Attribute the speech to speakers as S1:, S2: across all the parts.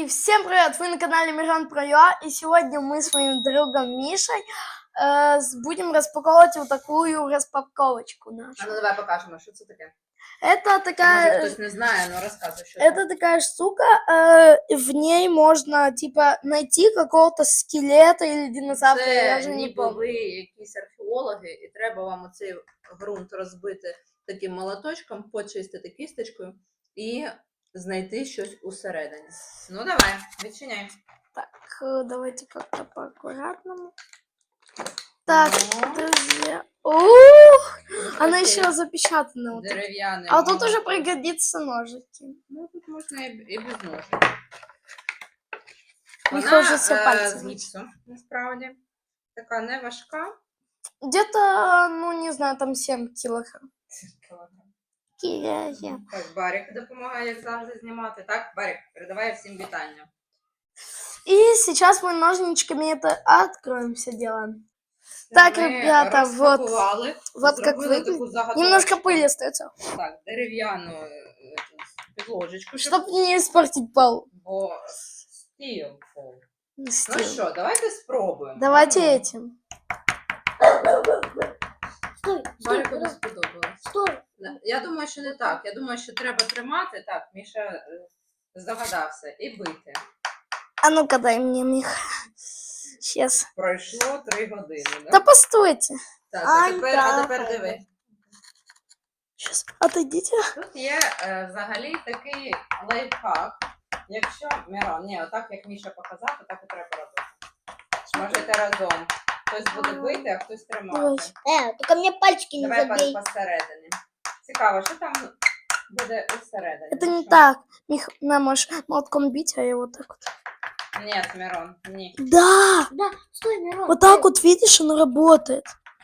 S1: Всем привет! Вы на канале Мирон Про ЮА, и сегодня мы с моим другом Мишей будем распаковывать вот такую распаковочку нашу.
S2: А ну давай покажем, что это такое.
S1: Это такая...
S2: Может, кто-то не знает, но рассказывай, что
S1: это такая штука, в ней можно, типа, найти какого-то скелета или динозавра, я даже не помню.
S2: Ви якісь археологи, і треба вам оцей ґрунт розбити таким молоточком, почистити кісточкою і знайти щось усередині. Ну давай, відчиняй.
S1: Так, давайте как-то по-аккуратному. Так, друзья. Ух, она еще запечатана. Вот
S2: дерев'яний.
S1: А тут уже пригодится ножики.
S2: Ну, тут можна і без ножик.
S1: Не
S2: Вона
S1: хочеться пальцем.
S2: з гіпсу, насправді. Така не важка.
S1: Где-то, ну, не знаю, там 7 килограмм.
S2: Так, Барик допомагає, як завжди, знімати. Так, Барик, передавай всім вітання.
S1: И сейчас мы ножничками это откроем все дело. Так, ребята, вот как выглядит. Немножко пыли остается.
S2: Так, дерев'яну підложечку.
S1: Чтобы не испортить пол.
S2: Бо стіл пол. Ну
S1: Стил.
S2: що, давайте спробуємо.
S1: Давайте этим.
S3: Стой,
S2: Барику не сподобалось.
S3: стой.
S2: Я думаю, що не так. Я думаю, що треба тримати. Так, Міша здогадався. І бити.
S1: А ну-ка дай мне, Мих. Сейчас.
S2: Пройшло 3 години.
S1: Да постойте.
S2: Так, а тепер диви.
S1: Сейчас, отойдите.
S2: Тут є взагалі такий лайфхак. Якщо, Мирон, ні, отак, як Міша показав, так і треба робити. Можете разом. Хтось буде бити, а хтось тримати.
S3: Только мне пальчики не
S2: Давай
S3: забей.
S2: посередині. Цікаво, що там буде усередині?
S1: Это не
S2: Що?
S1: так. Мих, на, можешь молотком бить, а я вот так вот.
S2: Ні, Мирон, ні.
S1: Да!
S3: Да, стой, Мирон.
S1: Вот так вот, видишь, оно работает.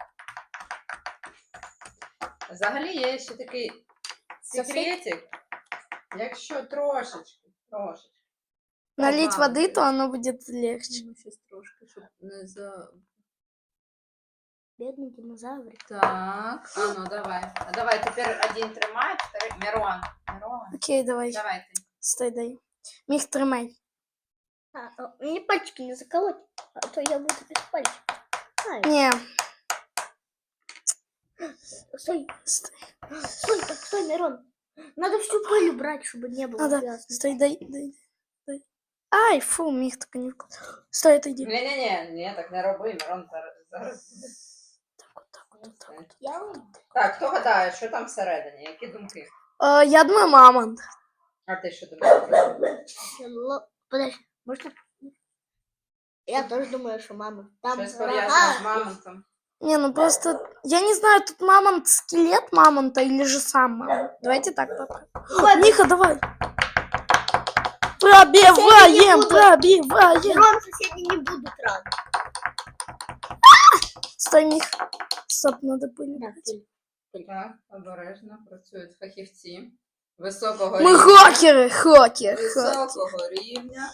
S2: Взагалі є ще такий секретик. Якщо трошечки.
S1: Налить
S2: Ага.
S1: воды, то оно будет легче.
S2: Ну, щось трошки, щоб не за...
S3: Бедный динозаврик.
S2: Так, а ну давай. А давай, тепер один тримай, второй... Мирон.
S1: Окей, давай.
S2: Давай ти.
S1: Стой, дай. Мих, тримай.
S3: Мне пальчики не заколоть, а то я буду без пальчиков.
S1: Не,
S3: Стой,
S1: стой.
S3: стой, Мирон. Надо всю пыль убрать, чтобы не было
S1: Надо.
S3: грязно.
S1: Стой, дай. Ай, фу, Мих, только не вкус. Стой, отойди.
S2: Ні, так не роби, Мирон зараз.
S1: Так вот, так вот.
S3: Я вам.
S2: Так, хто гадає, що там всередині? Які думки?
S1: Я думаю, мамонт.
S2: А ти що думаєш?
S3: Подожди, можно? Я тоже думаю, что мама. Там
S2: Щось пов'язане з мамонтом.
S1: Не, ну просто, я не знаю, тут мамонт, скелет мамонта или же сам мамонт. Давайте так попробуем. Миха, давай. Пробиваем.
S3: Мирон, соседи не будут рады.
S1: Стой, Мих. Стоп, надо пыль.
S3: Да, пыль.
S2: Так, обережно працюють фахівці. Високого
S1: Мы
S2: рівня.
S1: хакеры.
S2: Високого рівня.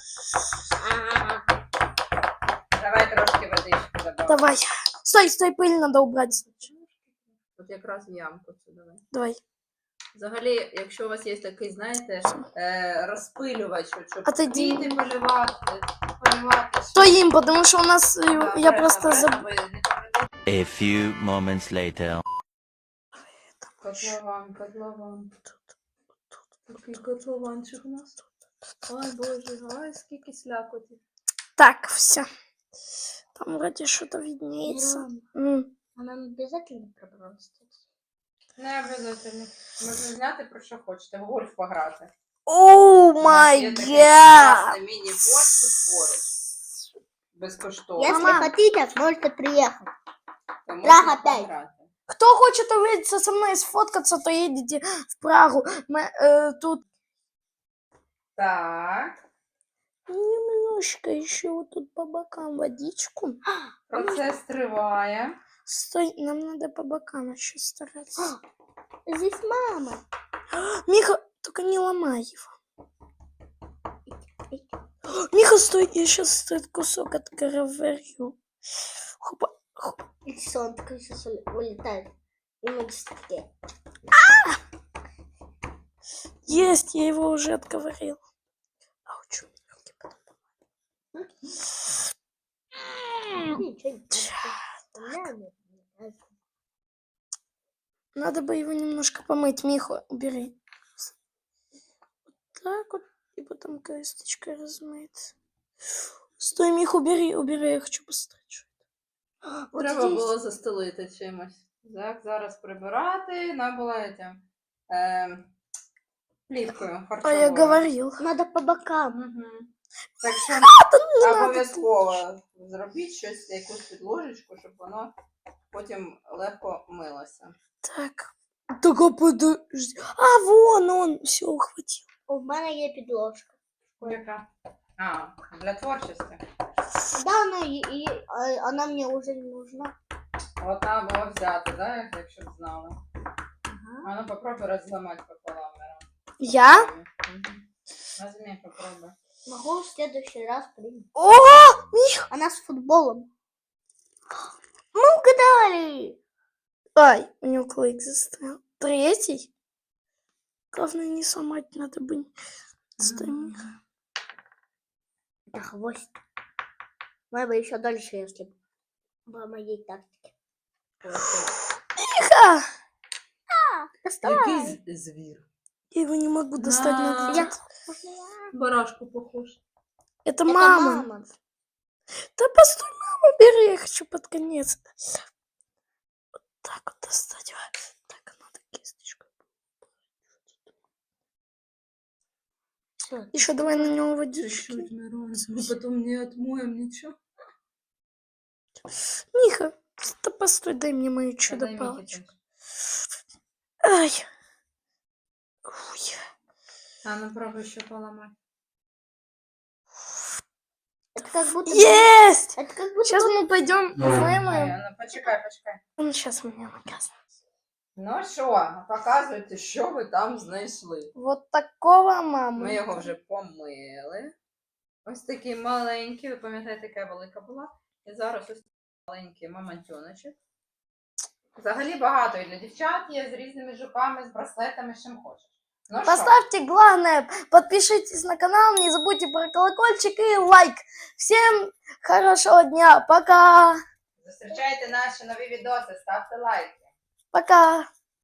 S2: Давай трошки водички додамо.
S1: Давай. Стой, пыль надо убрать.
S2: Тут якраз ямку цю давай.
S1: Давай.
S2: Взагалі, якщо у вас є такий, знаєте, розпилювач, щоб
S1: Отойди.
S2: квіти поливати.
S1: То им, потому что у нас, я просто забыл.
S4: A few moments later.
S2: Котлован. Такий котлованчик у нас. Ой, боже, ой, скільки слякоті.
S1: Так, все. Там вроде что-то виднеется.
S3: А нам обязательно пробраться?
S2: Не обов'язково. Можна зняти про що хочете, в гольф пограти.
S1: О май гад!
S2: Міні-гольф тут поруч. Безкоштовно.
S3: Если хотите, можете приехать.
S2: То
S3: Прага
S2: можна
S3: 5.
S2: пограти.
S1: Кто хочет увидеться со мной и сфоткаться, то едете в Прагу. Тут
S2: Так.
S1: немножко еще вот тут по бокам водичку.
S2: Процес триває.
S1: Стой, нам надо по бокам еще стараться.
S3: Здесь мама.
S1: Миха, только не ломай его. Миха, стой, я сейчас этот кусок отковырю. Хопа.
S3: И все, он такой сейчас улетает. И мы такие.
S1: Есть, я его уже отговорил. Ауч, руки
S3: ничего не понятно. У меня нет.
S1: Надо бы его немножко помыть. Миху, убери. Вот так вот. И потом кисточкой размыть. Стой, Мих, убери, я хочу постричь. Вот
S2: Треба
S1: здесь.
S2: було застелити чимось. Так, зараз прибирати. Нам було плівкою
S1: А
S2: харчовою.
S1: я говорил.
S3: Надо по бокам.
S2: Мгм. Так що
S1: Не надо
S2: обов'язково зробіть щось, якусь підложечку, щоб воно потім легко милося.
S1: Так. Только подожди. А, вон он. Все, ухватил.
S3: У мене є підложка.
S2: Яка? А, для творчості.
S3: Да, она мне уже не нужна.
S2: От треба було взяти, да, якщо б знали.
S3: Ага.
S2: А ну попробуй розламати пополам. Мирон.
S1: Я?
S2: Мгм. Возьми, попробуй.
S3: Могу в следующий раз принять.
S1: О, Мих.
S3: Она с футболом. Мы угадали.
S1: Ай, у него клык застрял. Третий? Главное, не сломать надо бы. Стой, Мих.
S3: Это хвост. Мы бы еще дольше, если бы по моей тактике.
S1: Миха!
S3: Доставай.
S2: Який звір?
S1: Я его не могу достать. Надо
S3: Я...
S1: тут.
S2: Барашку похож.
S1: Это
S3: Это
S1: мама.
S3: мама.
S1: Да постой, мама, бери, я хочу под конец. Вот так вот достать. Так, надо кисточку.
S3: Всё.
S1: Еще давай на него водички.
S2: Чуть-чуть, Мирон. Мы потом не отмоем ничего.
S1: Миха, да постой, дай мне мою чудо-палочку. Ай. Ой.
S2: А ну пробуй еще поломать.
S3: Это как будто...
S1: Есть!
S3: Это как будто...
S1: Сейчас мы пойдем
S2: Ай,
S1: вымоем.
S2: а ну почекай.
S1: Он сейчас меня наказывает.
S2: Ну що, показуйте, що ви там знайшли.
S1: Вот такого мама.
S2: Ми його вже помили. Ось такий маленький, ви пам'ятаєте, яка велика була. І зараз ось такий маленький мамонтюночок. Взагалі багато і для дівчат є з різними жуками, з браслетами, з чим хочеш. Ну що,
S1: Поставьте главное, подпишитесь на канал, не забудьте про колокольчик и лайк. Всем хорошего дня, пока.
S2: зустрічайте наші нові відоси, ставте лайки.
S1: Пока.